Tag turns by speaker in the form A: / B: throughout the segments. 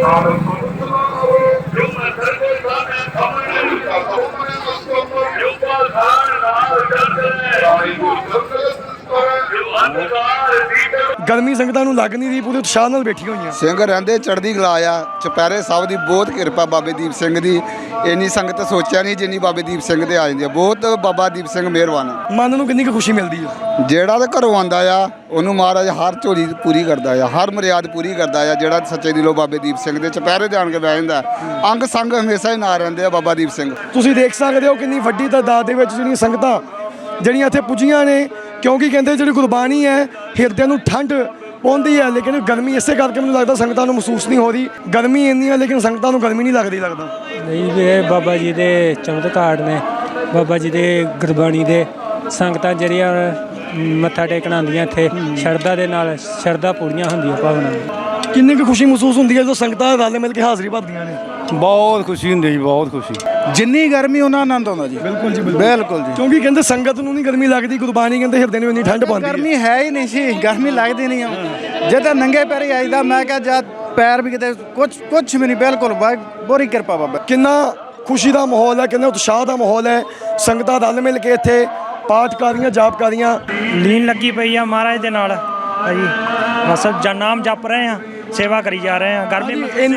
A: ਗਰਮੀ ਸੰਗਤਾਂ ਨੂੰ ਲੱਗ ਨਹੀਂ ਰਹੀ, ਪੂਰੇ ਉਤਸ਼ਾਹ ਨਾਲ ਬੈਠੀ ਹੋਈਆਂ।
B: ਸਿੰਘ ਰਹਿੰਦੇ ਚੜ੍ਹਦੀ ਕਲਾ ਆ। ਚੁਪਹਿਰੇ ਸਾਹਿਬ ਦੀ ਬਹੁਤ ਕਿਰਪਾ ਬਾਬੇ ਦੀਪ ਸਿੰਘ ਦੀ। ਇੰਨੀ ਸੰਗਤ ਸੋਚਿਆ ਨਹੀਂ ਜਿੰਨੀ ਬਾਬੇ ਦੀਪ ਸਿੰਘ ਦੇ ਆ ਜਾਂਦੀ ਆ। ਬਹੁਤ ਬਾਬਾ ਦੀਪ ਸਿੰਘ ਮਿਹਰਬਾਨ ਆ।
A: ਮਨ ਨੂੰ ਕਿੰਨੀ ਕੁ ਖੁਸ਼ੀ ਮਿਲਦੀ ਆ?
B: ਜਿਹੜਾ ਤਾਂ ਘਰੋਂ ਆਉਂਦਾ ਆ ਉਹਨੂੰ ਮਹਾਰਾਜ ਹਰ ਝੋਲੀ ਪੂਰੀ ਕਰਦਾ ਆ, ਹਰ ਮਰਿਆਦ ਪੂਰੀ ਕਰਦਾ ਆ। ਜਿਹੜਾ ਸੱਚੇ ਦਿਲੋਂ ਬਾਬੇ ਦੀਪ ਸਿੰਘ ਦੇ ਚੁਪਹਿਰੇ ਜਾਣ ਕੇ ਬਹਿ ਜਾਂਦਾ, ਅੰਗ ਸੰਗ ਹਮੇਸ਼ਾ ਹੀ ਨਾਲ ਰਹਿੰਦੇ ਆ ਬਾਬਾ ਦੀਪ ਸਿੰਘ।
A: ਤੁਸੀਂ ਦੇਖ ਸਕਦੇ ਹੋ ਕਿੰਨੀ ਵੱਡੀ ਤਾਦਾਦ ਦੇ ਵਿੱਚ ਜਿਹੜੀਆਂ ਸੰਗਤਾਂ ਜਿਹੜੀਆਂ ਇੱਥੇ ਪੁੱਜੀਆਂ ਨੇ, ਕਿਉਂਕਿ ਕਹਿੰਦੇ ਜਿਹੜੀ ਗੁਰਬਾਣੀ ਹੈ ਹਿਰਦਿਆਂ ਨੂੰ ਠੰਡ ਪਾਉਂਦੀ ਹੈ। ਲੇਕਿਨ ਗਰਮੀ ਇਸੇ ਕਰਕੇ ਮੈਨੂੰ ਲੱਗਦਾ ਸੰਗਤਾਂ ਨੂੰ ਮਹਿਸੂਸ ਨਹੀਂ ਹੋ ਰਹੀ। ਗਰਮੀ ਇੰਨੀ ਹੈ ਲੇਕਿਨ ਸੰਗਤਾਂ ਨੂੰ ਗਰਮੀ ਨਹੀਂ ਲੱਗਦੀ ਲੱਗਦਾ।
C: ਨਹੀਂ ਵੀ ਇਹ ਬਾਬਾ ਜੀ ਦੇ ਚਮਤਕਾਰ ਨੇ, ਬਾਬਾ ਜੀ ਦੇ ਗੁਰਬਾਣੀ ਦੇ। ਸੰਗਤਾਂ ਜਿਹੜੀਆਂ ਮੱਥਾ ਟੇਕਣ ਆਉਂਦੀਆਂ ਇੱਥੇ ਸ਼ਰਧਾ ਦੇ ਨਾਲ, ਸ਼ਰਧਾ ਪੂਰੀਆਂ ਹੁੰਦੀਆਂ ਭਾਵਨਾ।
A: ਕਿੰਨੀ ਕੁ ਖੁਸ਼ੀ ਮਹਿਸੂਸ ਹੁੰਦੀ ਹੈ ਜਦੋਂ ਸੰਗਤਾਂ ਰਲ ਮਿਲ ਕੇ ਹਾਜ਼ਰੀ ਭਰਦੀਆਂ ਨੇ?
D: ਬਹੁਤ ਖੁਸ਼ੀ ਹੁੰਦੀ ਜੀ, ਬਹੁਤ ਖੁਸ਼ੀ। ਜਿੰਨੀ ਗਰਮੀ ਉਹਨਾਂ ਆਨੰਦ ਆਉਂਦਾ ਜੀ।
A: ਬਿਲਕੁਲ ਜੀ,
D: ਬਿਲਕੁਲ ਜੀ।
A: ਕਿਉਂਕਿ ਕਹਿੰਦੇ ਸੰਗਤ ਨੂੰ ਨਹੀਂ ਗਰਮੀ ਲੱਗਦੀ, ਗੁਰਬਾਣੀ ਕਹਿੰਦੇ ਹਿਰਦੇ ਨੂੰ ਇੰਨੀ ਠੰਡ ਪਾਉਂਦੀ ਹੈ।
D: ਗਰਮੀ ਹੈ ਹੀ ਨਹੀਂ ਸੀ, ਗਰਮੀ ਲੱਗਦੀ ਨਹੀਂ ਆ। ਜੇ ਤਾਂ ਨੰਗੇ ਪੈਰੀ ਆਈਦਾ, ਮੈਂ ਕਿਹਾ ਜਦ ਪੈਰ ਵੀ ਕਿਤੇ ਕੁਛ ਵੀ ਨਹੀਂ। ਬਿਲਕੁਲ ਬੋਰੀ ਕਿਰਪਾ ਬਾਬਾ।
A: ਕਿੰਨਾ ਖੁਸ਼ੀ ਦਾ ਮਾਹੌਲ ਹੈ, ਕਿੰਨਾ ਉਤਸ਼ਾਹ ਦਾ ਮਾਹੌਲ ਹੈ। ਸੰਗਤਾਂ ਰਲ ਮਿਲ ਕੇ ਇੱਥੇ ਪਾਠਕਾਰੀਆਂ, ਜਾਪਕਾਰੀਆਂ
E: ਲੀਨ ਲੱਗੀ ਪਈ ਆ ਮਹਾਰਾਜ ਦੇ ਨਾਲ ਭਾਜੀ। ਬਸ ਨਾਮ ਜਪ ਰਹੇ ਆ, ਸੇਵਾ ਕਰੀ ਜਾ ਰਹੇ ਆ। ਗਰਮੀ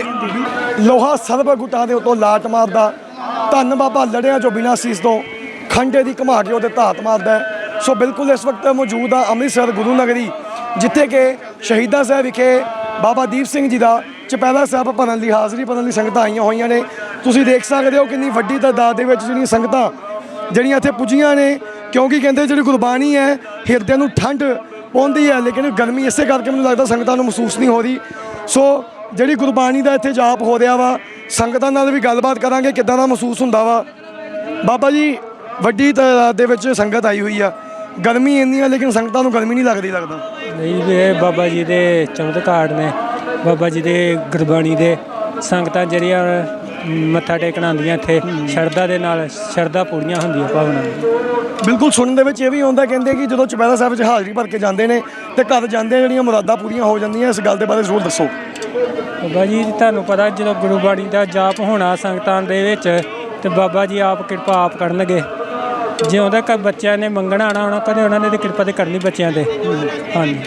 A: ਲੋਹਾ ਸਰਬ ਗੁੱਟਾਂ ਦੇ ਉੱਤੋਂ ਲਾਟ ਮਾਰਦਾ। ਧੰਨ ਬਾਬਾ ਲੜਿਆਂ ਚੋਂ ਬਿਨਾਂ ਸੀਸ ਤੋਂ ਖੰਡੇ ਦੀ ਘੁਮਾ ਕੇ ਉਹਦੇ ਧਾਤ ਮਾਰਦਾ। ਸੋ ਬਿਲਕੁਲ ਇਸ ਵਕਤ ਮੌਜੂਦ ਆ ਅੰਮ੍ਰਿਤਸਰ ਗੁਰੂ ਨਗਰੀ, ਜਿੱਥੇ ਕਿ ਸ਼ਹੀਦਾਂ ਸਾਹਿਬ ਵਿਖੇ ਬਾਬਾ ਦੀਪ ਸਿੰਘ ਜੀ ਦਾ ਚੁਪਹਿਰਾ ਸਾਹਿਬ ਭਰਨ ਲਈ, ਹਾਜ਼ਰੀ ਭਰਨ ਲਈ ਸੰਗਤਾਂ ਆਈਆਂ ਹੋਈਆਂ ਨੇ। ਤੁਸੀਂ ਦੇਖ ਸਕਦੇ ਹੋ ਕਿੰਨੀ ਵੱਡੀ ਤਾਦਾਦ ਦੇ ਵਿੱਚ ਜਿਹੜੀਆਂ ਸੰਗਤਾਂ ਜਿਹੜੀਆਂ ਇੱਥੇ ਪੁੱਜੀਆਂ ਨੇ, ਕਿਉਂਕਿ ਕਹਿੰਦੇ ਜਿਹੜੀ ਗੁਰਬਾਣੀ ਹੈ ਹਿਰਦਿਆਂ ਨੂੰ ਠੰਡ ਪਾਉਂਦੀ ਹੈ। ਲੇਕਿਨ ਗਰਮੀ ਇਸੇ ਕਰਕੇ ਮੈਨੂੰ ਲੱਗਦਾ ਸੰਗਤਾਂ ਨੂੰ ਮਹਿਸੂਸ ਨਹੀਂ ਹੋ ਰਹੀ। ਸੋ ਜਿਹੜੀ ਗੁਰਬਾਣੀ ਦਾ ਇੱਥੇ ਜਾਪ ਹੋ ਰਿਹਾ ਵਾ, ਸੰਗਤਾਂ ਨਾਲ ਵੀ ਗੱਲਬਾਤ ਕਰਾਂਗੇ ਕਿੱਦਾਂ ਦਾ ਮਹਿਸੂਸ ਹੁੰਦਾ ਵਾ। ਬਾਬਾ ਜੀ ਵੱਡੀ ਤਾਦਾਦ ਦੇ ਵਿੱਚ ਸੰਗਤ ਆਈ ਹੋਈ ਆ, ਗਰਮੀ ਇੰਨੀ ਆ ਲੇਕਿਨ ਸੰਗਤਾਂ ਨੂੰ ਗਰਮੀ ਨਹੀਂ ਲੱਗਦੀ ਲੱਗਦਾ।
C: ਨਹੀਂ ਵੀ ਇਹ ਬਾਬਾ ਜੀ ਦੇ ਚਮਤਕਾਰ ਨੇ, ਬਾਬਾ ਜੀ ਦੇ ਗੁਰਬਾਣੀ ਦੇ। ਸੰਗਤਾਂ ਜਿਹੜੀਆਂ ਮੱਥਾ ਟੇਕਣ ਆਉਂਦੀਆਂ ਇੱਥੇ ਸ਼ਰਧਾ ਦੇ ਨਾਲ, ਸ਼ਰਧਾ ਪੂਰੀਆਂ ਹੁੰਦੀਆਂ ਭਾਵਨਾ।
A: ਬਿਲਕੁਲ ਸੁਣਨ ਦੇ ਵਿੱਚ ਇਹ ਵੀ ਆਉਂਦਾ, ਕਹਿੰਦੇ ਕਿ ਜਦੋਂ ਚੁਪਹਿਰਾ ਸਾਹਿਬ 'ਚ ਹਾਜ਼ਰੀ ਭਰ ਕੇ ਜਾਂਦੇ ਨੇ ਤੇ ਘਰ ਜਾਂਦੇ ਜਿਹੜੀਆਂ ਮੁਰਾਦਾਂ ਪੂਰੀਆਂ ਹੋ ਜਾਂਦੀਆਂ। ਇਸ ਗੱਲ ਦੇ ਬਾਰੇ ਜ਼ਰੂਰ ਦੱਸੋ।
C: ਬਾਬਾ ਜੀ ਤੁਹਾਨੂੰ ਪਤਾ ਜਦੋਂ ਗੁਰਬਾਣੀ ਦਾ ਜਾਪ ਹੋਣਾ ਸੰਗਤਾਂ ਦੇ ਵਿੱਚ, ਤੇ ਬਾਬਾ ਜੀ ਆਪ ਕਿਰਪਾ ਆਪ ਕਰਨਗੇ। ਜੇ ਉਹਦਾ ਕ ਬੱਚਿਆਂ ਨੇ ਮੰਗਣਾ ਆਉਣਾ ਹੋਣਾ, ਕਦੇ ਉਹਨਾਂ ਨੇ ਤਾਂ ਕਿਰਪਾ ਤੇ ਕਰਨੀ ਬੱਚਿਆਂ ਦੇ। ਹਾਂਜੀ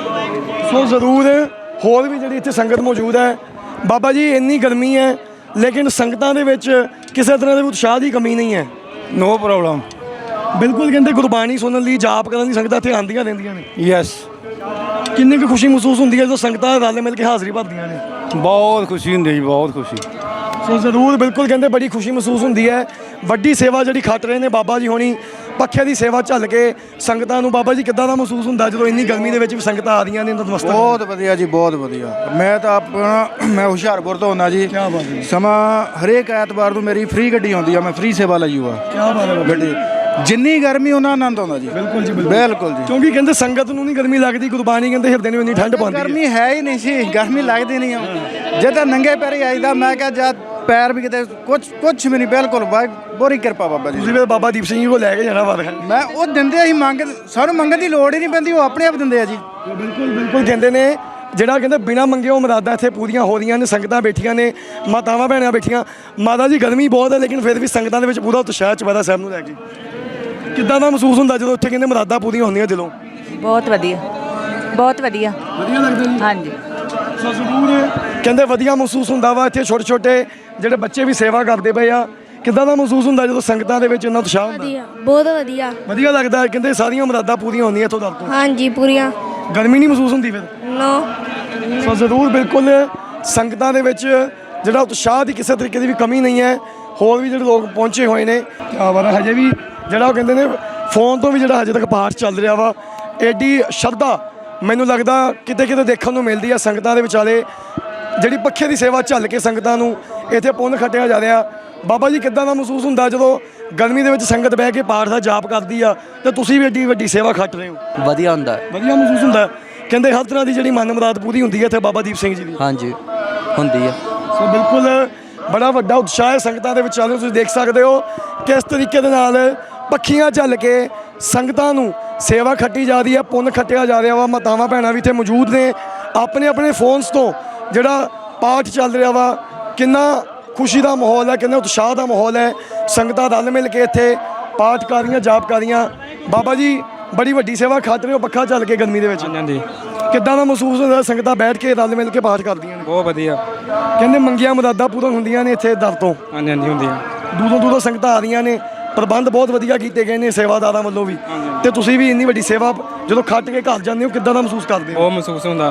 A: ਸੋ ਜ਼ਰੂਰ ਹੋਰ ਵੀ ਜਿਹੜੀ ਇੱਥੇ ਸੰਗਤ ਮੌਜੂਦ ਹੈ। ਬਾਬਾ ਜੀ ਇੰਨੀ ਗਰਮੀ ਹੈ ਲੇਕਿਨ ਸੰਗਤਾਂ ਦੇ ਵਿੱਚ ਕਿਸੇ ਤਰ੍ਹਾਂ ਦੇ ਉਤਸ਼ਾਹ ਦੀ ਕਮੀ ਨਹੀਂ ਹੈ।
D: No problem.
A: ਬਿਲਕੁਲ ਕਹਿੰਦੇ ਗੁਰਬਾਣੀ ਸੁਣਨ ਲਈ, ਜਾਪ ਕਰਨ ਲਈ ਸੰਗਤਾਂ ਇੱਥੇ ਆਉਂਦੀਆਂ ਰਹਿੰਦੀਆਂ ਨੇ।
D: ਯੈਸ।
A: ਕਿੰਨੀ ਕੁ ਖੁਸ਼ੀ ਮਹਿਸੂਸ ਹੁੰਦੀ ਹੈ ਜਦੋਂ ਸੰਗਤਾਂ ਰਲ ਮਿਲ ਕੇ ਹਾਜ਼ਰੀ ਭਰਦੀਆਂ ਨੇ?
D: ਬਹੁਤ ਖੁਸ਼ੀ ਹੁੰਦੀ ਜੀ, ਬਹੁਤ ਖੁਸ਼ੀ।
A: ਸੋ ਜ਼ਰੂਰ ਬਿਲਕੁਲ ਕਹਿੰਦੇ ਬੜੀ ਖੁਸ਼ੀ ਮਹਿਸੂਸ ਹੁੰਦੀ ਹੈ। ਵੱਡੀ ਸੇਵਾ ਜਿਹੜੀ ਖੱਟ ਰਹੇ ਨੇ ਬਾਬਾ ਜੀ ਹੋਣੀ, ਪੱਖੇ ਦੀ ਸੇਵਾ ਝੱਲ ਕੇ ਸੰਗਤਾਂ ਨੂੰ। ਬਾਬਾ ਜੀ ਕਿੱਦਾਂ ਦਾ ਮਹਿਸੂਸ ਹੁੰਦਾ ਜਦੋਂ ਇੰਨੀ ਗਰਮੀ ਦੇ ਵਿੱਚ ਵੀ ਸੰਗਤਾਂ ਆ ਰਹੀਆਂ ਨੇ ਨਤਮਸਤਕ?
D: ਬਹੁਤ ਵਧੀਆ ਜੀ, ਬਹੁਤ ਵਧੀਆ। ਮੈਂ ਤਾਂ ਮੈਂ ਹੁਸ਼ਿਆਰਪੁਰ ਤੋਂ ਆਉਂਦਾ ਜੀ।
A: ਕਿਆ ਬਾਤ ਹੈ।
D: ਸਮਾਂ ਹਰੇਕ ਐਤਵਾਰ ਨੂੰ ਮੇਰੀ ਫ੍ਰੀ ਗੱਡੀ ਆਉਂਦੀ ਆ, ਮੈਂ ਫ੍ਰੀ ਸੇਵਾ ਲਈ ਹੋਆ।
A: ਕਿਆ ਬਾਤ ਹੈ
D: ਗੱਡੀ ਜਿੰਨੀ ਗਰਮੀ ਉਹਨਾਂ ਆਨੰਦ ਆਉਂਦਾ ਜੀ।
A: ਬਿਲਕੁਲ ਜੀ,
D: ਬਿਲਕੁਲ ਜੀ।
A: ਕਿਉਂਕਿ ਕਹਿੰਦੇ ਸੰਗਤ ਨੂੰ ਨਹੀਂ ਗਰਮੀ ਲੱਗਦੀ, ਗੁਰਬਾਣੀ ਕਹਿੰਦੇ ਹਿਰਦੇ ਨੂੰ ਇੰਨੀ ਠੰਡ ਪਾਉਂਦੀ ਹੈ।
D: ਗਰਮੀ ਹੈ ਹੀ ਨਹੀਂ ਸੀ, ਗਰਮੀ ਲੱਗਦੀ ਨਹੀਂ ਆ। ਜੇ ਤਾਂ ਨੰਗੇ ਪੈਰੀ ਆਈਦਾ, ਮੈਂ ਕਿਹਾ ਜਦ ਪੈਰ ਵੀ ਕਿਤੇ ਕੁਛ ਵੀ ਨਹੀਂ। ਬਿਲਕੁਲ ਬੋਰੀ ਕਿਰਪਾ ਬਾਬਾ ਜੀ।
A: ਤੁਸੀਂ ਫਿਰ ਬਾਬਾ ਦੀਪ ਸਿੰਘ ਜੀ ਕੋਲ ਲੈ ਕੇ ਜਾਣਾ ਵਾ।
D: ਮੈਂ ਉਹ ਦਿੰਦੇ ਅਸੀਂ ਸਾਨੂੰ ਮੰਗਣ ਦੀ ਲੋੜ ਹੀ ਨਹੀਂ ਪੈਂਦੀ, ਉਹ ਆਪਣੇ ਆਪ ਦਿੰਦੇ ਆ ਜੀ।
A: ਬਿਲਕੁਲ ਕਹਿੰਦੇ ਨੇ ਜਿਹੜਾ ਕਹਿੰਦੇ ਬਿਨਾਂ ਮੰਗੇ ਉਹ ਮੁਰਾਦਾਂ ਇੱਥੇ ਪੂਰੀਆਂ ਹੋ ਰਹੀਆਂ ਨੇ। ਸੰਗਤਾਂ ਬੈਠੀਆਂ ਨੇ, ਮਾਤਾਵਾਂ ਭੈਣਾਂ ਬੈਠੀਆਂ। ਮਾਤਾ ਜੀ ਗਰਮੀ ਬਹੁਤ ਹੈ ਲੇਕਿਨ ਫਿਰ ਵੀ ਸੰਗਤਾਂ ਦੇ ਵਿੱਚ ਪੂਰਾ ਉਤਸ਼ਾਹ ਚੁਪਹਿਰਾ ਸਾਹਿਬ ਨੂੰ ਲੈ ਕੇ। ਕਿੱਦਾਂ ਦਾ ਮਹਿਸੂਸ ਹੁੰਦਾ ਜਦੋਂ ਉੱਥੇ ਕਹਿੰਦੇ ਮੁਰਾਦਾਂ ਪੂਰੀਆਂ ਹੁੰਦੀਆਂ ਦਿਲੋਂ?
F: ਬਹੁਤ ਵਧੀਆ, ਬਹੁਤ ਵਧੀਆ।
A: ਵਧੀਆ ਲੱਗਦਾ ਜੀ।
F: ਹਾਂਜੀ।
A: ਸੋ ਜ਼ਰੂਰ ਕਹਿੰਦੇ ਵਧੀਆ ਮਹਿਸੂਸ ਹੁੰਦਾ ਵਾ। ਇੱਥੇ ਛੋਟੇ ਛੋਟੇ ਜਿਹੜੇ ਬੱਚੇ ਵੀ ਸੇਵਾ ਕਰਦੇ ਪਏ ਆ। ਕਿੱਦਾਂ ਦਾ ਮਹਿਸੂਸ ਹੁੰਦਾ ਜਦੋਂ ਸੰਗਤਾਂ ਦੇ ਵਿੱਚ ਇੰਨਾ ਉਤਸ਼ਾਹ ਹੁੰਦਾ?
G: ਵਧੀਆ, ਬਹੁਤ ਵਧੀਆ।
A: ਵਧੀਆ ਲੱਗਦਾ। ਕਹਿੰਦੇ ਸਾਰੀਆਂ ਮੁਰਾਦਾਂ ਪੂਰੀਆਂ ਹੁੰਦੀਆਂ ਇੱਥੋਂ ਤੱਕ ਤੋਂ।
G: ਹਾਂਜੀ, ਪੂਰੀਆਂ।
A: ਗਰਮੀ ਨਹੀਂ ਮਹਿਸੂਸ ਹੁੰਦੀ ਫਿਰ?
G: ਨੋ।
A: ਸੋ ਜ਼ਰੂਰ ਬਿਲਕੁਲ ਸੰਗਤਾਂ ਦੇ ਵਿੱਚ ਜਿਹੜਾ ਉਤਸ਼ਾਹ ਦੀ ਕਿਸੇ ਤਰੀਕੇ ਦੀ ਵੀ ਕਮੀ ਨਹੀਂ ਹੈ। ਹੋਰ ਵੀ ਜਿਹੜੇ ਲੋਕ ਪਹੁੰਚੇ ਹੋਏ ਨੇ, ਕਿਆ ਬਾਤ ਹੈ। ਹਜੇ ਵੀ ਜਿਹੜਾ ਉਹ ਕਹਿੰਦੇ ਨੇ ਫੋਨ ਤੋਂ ਵੀ ਜਿਹੜਾ ਹਜੇ ਤੱਕ ਪਾਠ ਚੱਲ ਰਿਹਾ ਵਾ। ਐਡੀ ਸ਼ਰਧਾ ਮੈਨੂੰ ਲੱਗਦਾ ਕਿਤੇ ਕਿਤੇ ਦੇਖਣ ਨੂੰ ਮਿਲਦੀ ਹੈ ਸੰਗਤਾਂ ਦੇ ਵਿਚਾਲੇ। ਜਿਹੜੀ ਪੱਖੇ ਦੀ ਸੇਵਾ ਝੱਲ ਕੇ ਸੰਗਤਾਂ ਨੂੰ ਇੱਥੇ ਪੁੰਨ ਖੱਟਿਆ ਜਾ ਰਿਹਾ। ਬਾਬਾ ਜੀ ਕਿੱਦਾਂ ਦਾ ਮਹਿਸੂਸ ਹੁੰਦਾ ਜਦੋਂ ਗਰਮੀ ਦੇ ਵਿੱਚ ਸੰਗਤ ਬਹਿ ਕੇ ਪਾਠ ਦਾ ਜਾਪ ਕਰਦੀ ਆ ਤੇ ਤੁਸੀਂ ਵੀ ਐਡੀ ਵੱਡੀ ਸੇਵਾ ਖੱਟ ਰਹੇ ਹੋ?
H: ਵਧੀਆ ਹੁੰਦਾ।
A: ਵਧੀਆ ਮਹਿਸੂਸ ਹੁੰਦਾ। ਕਹਿੰਦੇ ਹਰ ਤਰ੍ਹਾਂ ਦੀ ਜਿਹੜੀ ਮਨ ਮੁਰਾਦ ਪੂਰੀ ਹੁੰਦੀ ਹੈ ਇੱਥੇ ਬਾਬਾ ਦੀਪ ਸਿੰਘ ਜੀ ਦੀ।
H: ਹਾਂਜੀ ਹੁੰਦੀ ਹੈ।
A: ਸੋ ਬਿਲਕੁਲ ਬੜਾ ਵੱਡਾ ਉਤਸ਼ਾਹ ਹੈ ਸੰਗਤਾਂ ਦੇ ਵਿੱਚ। ਤੁਸੀਂ ਦੇਖ ਸਕਦੇ ਹੋ ਕਿਸ ਤਰੀਕੇ ਦੇ ਨਾਲ ਪੱਖੀਆਂ ਝੱਲ ਕੇ ਸੰਗਤਾਂ ਨੂੰ ਸੇਵਾ ਖੱਟੀ ਜਾ ਰਹੀ ਹੈ, ਪੁੰਨ ਖੱਟਿਆ ਜਾ ਰਿਹਾ ਵਾ। ਮਾਤਾਵਾਂ ਭੈਣਾਂ ਵੀ ਇੱਥੇ ਮੌਜੂਦ ਨੇ, ਆਪਣੇ ਆਪਣੇ ਫੋਨਸ ਤੋਂ ਜਿਹੜਾ ਪਾਠ ਚੱਲ ਰਿਹਾ ਵਾ, ਕਿੰਨਾ ਖੁਸ਼ੀ ਦਾ ਮਾਹੌਲ ਹੈ, ਕਿੰਨਾ ਉਤਸ਼ਾਹ ਦਾ ਮਾਹੌਲ ਹੈ। ਸੰਗਤਾਂ ਰਲ ਮਿਲ ਕੇ ਇੱਥੇ ਪਾਠ ਕਰ ਰਹੀਆਂ, ਜਾਪ ਕਰ ਰਹੀਆਂ। ਬਾਬਾ ਜੀ ਬੜੀ ਵੱਡੀ ਸੇਵਾ ਖੱਟ ਰਹੇ ਹੋ, ਪੱਖਾ ਚੱਲ ਕੇ ਗਰਮੀ ਦੇ ਵਿੱਚ।
C: ਹਾਂਜੀ
A: ਕਿੱਦਾਂ ਦਾ ਮਹਿਸੂਸ ਹੁੰਦਾ ਸੰਗਤਾਂ ਬੈਠ ਕੇ ਰਲ ਮਿਲ ਕੇ ਪਾਠ ਕਰਦੀਆਂ ਨੇ?
C: ਬਹੁਤ ਵਧੀਆ।
A: ਕਹਿੰਦੇ ਮੰਗੀਆਂ ਮੁਰਾਦਾਂ ਪੂਰਨ ਹੁੰਦੀਆਂ ਨੇ ਇੱਥੇ ਦਰ ਤੋਂ।
C: ਹਾਂਜੀ ਹਾਂਜੀ ਹੁੰਦੀ ਆ।
A: ਦੂਰੋਂ ਦੂਰੋਂ ਸੰਗਤਾਂ ਆ ਰਹੀਆਂ ਨੇ, ਪ੍ਰਬੰਧ ਬਹੁਤ ਵਧੀਆ ਕੀਤੇ ਗਏ ਨੇ ਸੇਵਾਦਾਰਾਂ ਵੱਲੋਂ ਵੀ। ਤੇ ਤੁਸੀਂ ਵੀ ਇੰਨੀ ਵੱਡੀ ਸੇਵਾ ਜਦੋਂ ਖੱਟ ਕੇ ਘਰ ਜਾਂਦੇ ਹੋ, ਕਿੱਦਾਂ ਦਾ ਮਹਿਸੂਸ ਕਰਦੇ ਹੋ?
C: ਬਹੁਤ ਮਹਿਸੂਸ ਹੁੰਦਾ।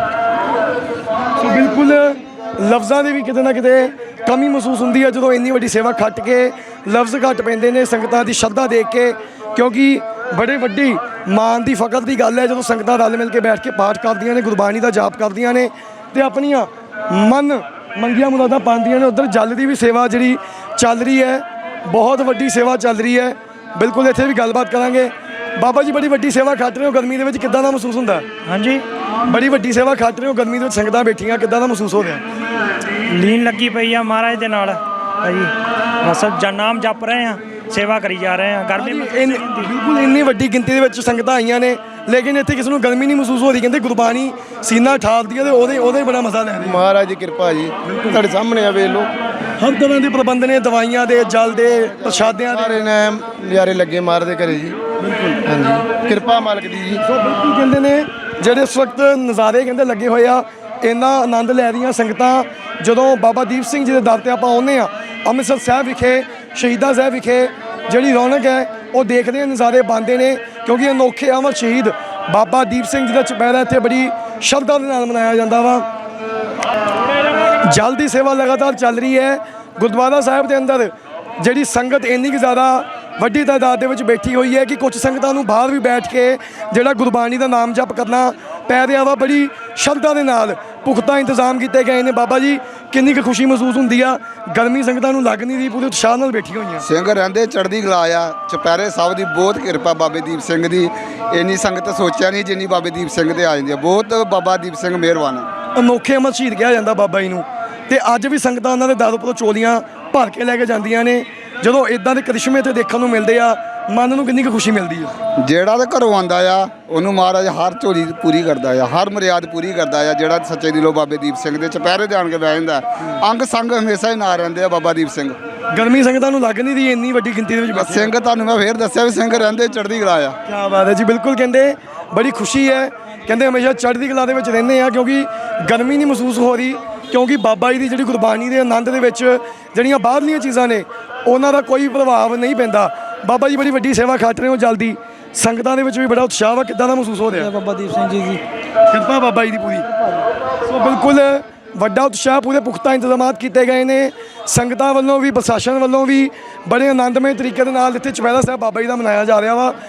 A: ਸੋ ਬਿਲਕੁਲ ਲਫ਼ਜ਼ਾਂ ਦੀ ਵੀ ਕਿਤੇ ਨਾ ਕਿਤੇ ਕਮੀ ਮਹਿਸੂਸ ਹੁੰਦੀ ਹੈ ਜਦੋਂ ਇੰਨੀ ਵੱਡੀ ਸੇਵਾ ਖੱਟ ਕੇ ਲਫ਼ਜ਼ ਘੱਟ ਪੈਂਦੇ ਨੇ ਸੰਗਤਾਂ ਦੀ ਸ਼ਰਧਾ ਦੇਖ ਕੇ, ਕਿਉਂਕਿ ਬੜੇ ਵੱਡੀ ਮਾਣ ਦੀ ਫਕਰ ਦੀ ਗੱਲ ਹੈ ਜਦੋਂ ਸੰਗਤਾਂ ਰਲ ਮਿਲ ਕੇ ਬੈਠ ਕੇ ਪਾਠ ਕਰਦੀਆਂ ਨੇ, ਗੁਰਬਾਣੀ ਦਾ ਜਾਪ ਕਰਦੀਆਂ ਨੇ ਤੇ ਆਪਣੀਆਂ ਮਨ ਮੰਗੀਆਂ ਮੁਰਾਦਾਂ ਪਾਉਂਦੀਆਂ ਨੇ। ਉੱਧਰ ਜਲ ਦੀ ਵੀ ਸੇਵਾ ਜਿਹੜੀ ਚੱਲ ਰਹੀ ਹੈ, ਬਹੁਤ ਵੱਡੀ ਸੇਵਾ ਚੱਲ ਰਹੀ ਹੈ। ਬਿਲਕੁਲ ਇੱਥੇ ਵੀ ਗੱਲਬਾਤ ਕਰਾਂਗੇ। ਬਾਬਾ ਜੀ ਬੜੀ ਵੱਡੀ ਸੇਵਾ ਖੱਟ ਰਹੇ ਹੋ ਗਰਮੀ ਦੇ ਵਿੱਚ, ਕਿੱਦਾਂ ਦਾ ਮਹਿਸੂਸ ਹੁੰਦਾ?
E: ਹਾਂਜੀ,
A: ਬੜੀ ਵੱਡੀ ਸੇਵਾ ਖੱਟ ਰਹੇ ਹੋ ਗਰਮੀ ਦੇ ਵਿੱਚ, ਸੰਗਤਾਂ ਬੈਠੀਆਂ, ਕਿੱਦਾਂ ਦਾ ਮਹਿਸੂਸ ਹੋ ਰਿਹਾ?
E: ਲੀਨ ਲੱਗੀ ਪਈ ਆ ਮਹਾਰਾਜ ਦੇ ਨਾਲ ਭਾਜੀ, ਬਸ ਨਾਮ ਜਪ ਰਹੇ ਆ, ਸੇਵਾ ਕਰੀ ਜਾ ਰਹੇ ਆ। ਗਰਮੀ
A: ਬਿਲਕੁਲ ਇੰਨੀ ਵੱਡੀ ਗਿਣਤੀ ਦੇ ਵਿੱਚ ਸੰਗਤਾਂ ਆਈਆਂ ਨੇ, ਲੇਕਿਨ ਇੱਥੇ ਕਿਸੇ ਨੂੰ ਗਰਮੀ ਨਹੀਂ ਮਹਿਸੂਸ ਹੋ ਰਹੀ। ਕਹਿੰਦੇ ਗੁਰਬਾਣੀ ਸੀਨਾ ਠਾਲਦੀ ਹੈ ਤੇ ਉਹਦੇ ਬੜਾ ਮਜ਼ਾ ਲੈ ਰਹੇ।
D: ਮਹਾਰਾਜ ਦੀ ਕਿਰਪਾ ਜੀ, ਤੁਹਾਡੇ ਸਾਹਮਣੇ ਆ ਵੇਖ ਲਓ,
A: ਹਰ ਤਰ੍ਹਾਂ ਦੇ ਪ੍ਰਬੰਧ ਨੇ, ਦਵਾਈਆਂ ਦੇ, ਜਲ ਦੇ, ਪ੍ਰਸ਼ਾਦਿਆਂ ਦੇ।
D: ਸਾਰੇ ਨੇ ਨਜ਼ਾਰੇ ਲੱਗੇ ਮਾਰਦੇ ਘਰੇ ਜੀ। ਬਿਲਕੁਲ ਹਾਂਜੀ, ਕਿਰਪਾ ਮਾਲਕ ਦੀ ਜੀ।
A: ਸੋ ਬਿਲਕੁਲ ਕਹਿੰਦੇ ਨੇ ਜਿਹੜੇ ਇਸ ਵਕਤ ਨਜ਼ਾਰੇ ਕਹਿੰਦੇ ਲੱਗੇ ਹੋਏ ਆ, ਇੰਨਾ ਆਨੰਦ ਲੈ ਰਹੀਆਂ ਸੰਗਤਾਂ। ਜਦੋਂ ਬਾਬਾ ਦੀਪ ਸਿੰਘ ਜੀ ਦੇ ਦਰ ਤੇ ਆਪਾਂ ਆਉਂਦੇ ਆ ਅੰਮ੍ਰਿਤਸਰ ਸਾਹਿਬ ਵਿਖੇ, ਸ਼ਹੀਦਾਂ ਸਾਹਿਬ ਵਿਖੇ, ਜਿਹੜੀ ਰੌਣਕ ਹੈ ਉਹ ਦੇਖਦੇ ਆ, ਨਜ਼ਾਰੇ ਬਣਦੇ ਨੇ, ਕਿਉਂਕਿ ਅਨੋਖੇ ਅਮਰ ਸ਼ਹੀਦ ਬਾਬਾ ਦੀਪ ਸਿੰਘ ਜੀ ਦਾ ਚੁਪਹਿਰਾ ਇੱਥੇ ਬੜੀ ਸ਼ਰਧਾ ਦੇ ਨਾਲ ਮਨਾਇਆ ਜਾਂਦਾ ਵਾ। ਜਲ ਦੀ ਸੇਵਾ ਲਗਾਤਾਰ ਚੱਲ ਰਹੀ ਹੈ ਗੁਰਦੁਆਰਾ ਸਾਹਿਬ ਦੇ ਅੰਦਰ। ਜਿਹੜੀ ਸੰਗਤ ਇੰਨੀ ਕੁ ਜ਼ਿਆਦਾ ਵੱਡੀ ਤਾਦਾਦ ਦੇ ਵਿੱਚ ਬੈਠੀ ਹੋਈ ਹੈ ਕਿ ਕੁਝ ਸੰਗਤਾਂ ਨੂੰ ਬਾਹਰ ਵੀ ਬੈਠ ਕੇ ਜਿਹੜਾ ਗੁਰਬਾਣੀ ਦਾ ਨਾਮ ਜਪ ਕਰਨਾ ਪੈ ਰਿਹਾ ਵਾ। ਬੜੀ ਸ਼ਰਧਾ ਦੇ ਨਾਲ ਪੁਖਤਾ ਇੰਤਜ਼ਾਮ ਕੀਤੇ ਗਏ ਨੇ। ਬਾਬਾ ਜੀ ਕਿੰਨੀ ਕੁ ਖੁਸ਼ੀ ਮਹਿਸੂਸ ਹੁੰਦੀ ਆ? ਗਰਮੀ ਸੰਗਤਾਂ ਨੂੰ ਲੱਗ ਨਹੀਂ ਰਹੀ, ਪੂਰੇ ਉਤਸ਼ਾਹ ਨਾਲ ਬੈਠੀ ਹੋਈਆਂ।
B: ਸਿੰਘ ਰਹਿੰਦੇ ਚੜ੍ਹਦੀ ਕਲਾ ਆ। ਚੁਪਹਿਰੇ ਸਾਹਿਬ ਦੀ ਬਹੁਤ ਕਿਰਪਾ ਬਾਬੇ ਦੀਪ ਸਿੰਘ ਦੀ। ਇੰਨੀ ਸੰਗਤ ਸੋਚਿਆ ਨਹੀਂ ਜਿੰਨੀ ਬਾਬੇ ਦੀਪ ਸਿੰਘ ਤੇ ਆ ਜਾਂਦੀ ਆ। ਬਹੁਤ ਬਾਬਾ ਦੀਪ ਸਿੰਘ ਮਿਹਰਬਾਨ ਆ।
A: ਅਨੋਖੇ ਅਮਰ ਸ਼ਹੀਦ ਕਿਹਾ ਜਾਂਦਾ ਬਾਬਾ ਜੀ ਨੂੰ, ਤੇ ਅੱਜ ਵੀ ਸੰਗਤਾਂ ਉਹਨਾਂ ਦੇ ਦਰ ਉੱਪਰੋਂ ਚੋਲੀਆਂ ਭਰ ਕੇ ਲੈ ਕੇ ਜਾਂਦੀਆਂ ਨੇ। ਜਦੋਂ ਇਦਾਂ ਦੇ ਕਰਿਸ਼ਮੇ ਤੇ ਦੇਖਣ ਨੂੰ ਮਿਲਦੇ ਆ, ਮਨ ਨੂੰ ਕਿੰਨੀ ਕੁ ਖੁਸ਼ੀ ਮਿਲਦੀ ਆ।
B: ਜਿਹੜਾ ਤਾਂ ਘਰੋਂ ਆਉਂਦਾ ਆ ਉਹਨੂੰ ਮਹਾਰਾਜ ਹਰ ਝੋਲੀ ਪੂਰੀ ਕਰਦਾ ਆ, ਹਰ ਮਰਿਆਦ ਪੂਰੀ ਕਰਦਾ ਆ। ਜਿਹੜਾ ਸੱਚੇ ਦਿਲੋਂ ਬਾਬੇ ਦੀਪ ਸਿੰਘ ਦੇ ਚੁਪਹਿਰੇ ਤੇ ਆਣ ਕੇ ਬਹਿ ਜਾਂਦਾ, ਅੰਗ ਸੰਗ ਹਮੇਸ਼ਾ ਹੀ ਨਾਲ ਰਹਿੰਦੇ ਆ ਬਾਬਾ ਦੀਪ ਸਿੰਘ।
A: ਗਰਮੀ ਸੰਗਤਾਂ ਨੂੰ ਲੱਗ ਨਹੀਂ ਰਹੀ ਇੰਨੀ ਵੱਡੀ ਗਿਣਤੀ ਦੇ ਵਿੱਚ ਬੈਠੇ।
B: ਸਿੰਘ ਤੁਹਾਨੂੰ ਮੈਂ ਫੇਰ ਦੱਸਿਆ ਵੀ ਸਿੰਘ ਰਹਿੰਦੇ ਚੜ੍ਹਦੀ ਕਲਾ ਆ।
A: ਕੀ ਬਾਤ ਹੈ ਜੀ, ਬਿਲਕੁਲ ਕਹਿੰਦੇ ਬੜੀ ਖੁਸ਼ੀ ਹੈ। ਕਹਿੰਦੇ ਹਮੇਸ਼ਾ ਚੜ੍ਹਦੀ ਕਲਾ ਦੇ ਵਿੱਚ ਰਹਿੰਦੇ ਆ, ਕਿਉਂਕਿ ਗਰਮੀ ਨਹੀਂ ਮਹਿਸੂਸ ਹੋ ਰਹੀ, ਕਿਉਂਕਿ ਬਾਬਾ ਜੀ ਦੀ ਜਿਹੜੀ ਗੁਰਬਾਣੀ ਦੇ ਆਨੰਦ ਦੇ ਵਿੱਚ ਜਿਹੜੀਆਂ ਬਾਹਰਲੀਆਂ ਚੀਜ਼ਾਂ ਨੇ ਉਹਨਾਂ ਦਾ ਕੋਈ ਪ੍ਰਭਾਵ ਨਹੀਂ ਪੈਂਦਾ। ਬਾਬਾ ਜੀ ਬੜੀ ਵੱਡੀ ਸੇਵਾ ਖੱਟ ਰਹੇ ਹੋ ਜਲਦੀ, ਸੰਗਤਾਂ ਦੇ ਵਿੱਚ ਵੀ ਬੜਾ ਉਤਸ਼ਾਹ ਵਾ, ਕਿੱਦਾਂ ਦਾ ਮਹਿਸੂਸ ਹੋ ਰਿਹਾ?
C: ਬਾਬਾ ਦੀਪ ਸਿੰਘ ਜੀ ਦੀ
A: ਕਿਰਪਾ ਬਾਬਾ ਜੀ ਦੀ ਪੂਰੀ। ਸੋ ਬਿਲਕੁਲ ਵੱਡਾ ਉਤਸ਼ਾਹ, ਪੂਰੇ ਪੁਖਤਾ ਇੰਤਜ਼ਾਮਾਤ ਕੀਤੇ ਗਏ ਨੇ ਸੰਗਤਾਂ ਵੱਲੋਂ ਵੀ, ਪ੍ਰਸ਼ਾਸਨ ਵੱਲੋਂ ਵੀ। ਬੜੇ ਆਨੰਦਮਈ ਤਰੀਕੇ ਦੇ ਨਾਲ ਇੱਥੇ ਚੁਪਹਿਰਾ ਸਾਹਿਬ ਬਾਬਾ ਜੀ ਦਾ ਮਨਾਇਆ ਜਾ ਰਿਹਾ ਵਾ।